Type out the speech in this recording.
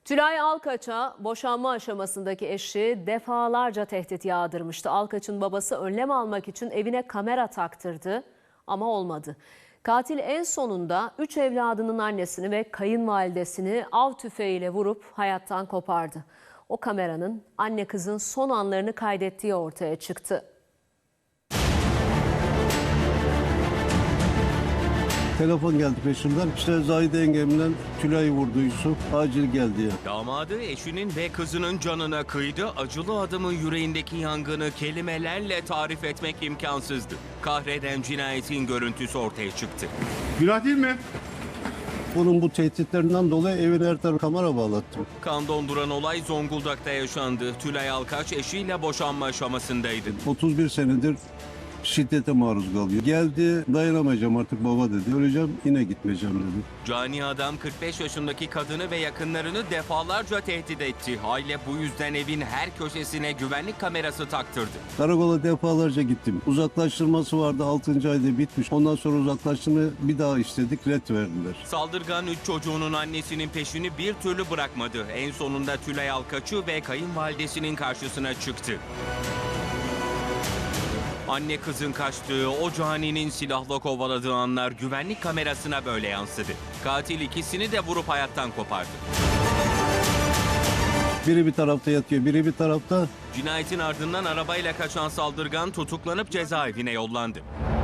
Tülay Alkaç'a boşanma aşamasındaki eşi defalarca tehdit yağdırmıştı. Alkaç'ın babası önlem almak için evine kamera taktırdı ama olmadı. Katil en sonunda 3 evladının annesini ve kayınvalidesini av tüfeğiyle vurup hayattan kopardı. O kameranın anne kızın son anlarını kaydettiği ortaya çıktı. Telefon geldi peşimden. İşte Zahide yengemle Tülay'ı vurdu Yusuf. Acil geldi ya. Damadı eşinin ve kızının canına kıydı. Acılı adamın yüreğindeki yangını kelimelerle tarif etmek imkansızdı. Kahreden cinayetin görüntüsü ortaya çıktı. Günah değil mi? Onun bu tehditlerinden dolayı evin her tarafı kamera bağlattım. Kan donduran olay Zonguldak'ta yaşandı. Tülay Alkaç eşiyle boşanma aşamasındaydı. 31 senedir şiddete maruz kalıyor. Geldi, dayanamayacağım artık baba dedi. Öleceğim, yine gitmeyeceğim dedi. Cani adam 45 yaşındaki kadını ve yakınlarını defalarca tehdit etti. Aile bu yüzden evin her köşesine güvenlik kamerası taktırdı. Karakola defalarca gittim. Uzaklaştırması vardı, 6. ayda bitmiş. Ondan sonra uzaklaştırmayı bir daha istedik, ret verdiler. Saldırgan 3 çocuğunun annesinin peşini bir türlü bırakmadı. En sonunda Tülay Alkaç'ı ve kayınvalidesinin karşısına çıktı. Anne kızın kaçtığı, o caninin silahla kovaladığı anlar güvenlik kamerasına böyle yansıdı. Katil ikisini de vurup hayattan kopardı. Biri bir tarafta yatıyor, biri bir tarafta. Cinayetin ardından arabayla kaçan saldırgan tutuklanıp cezaevine yollandı.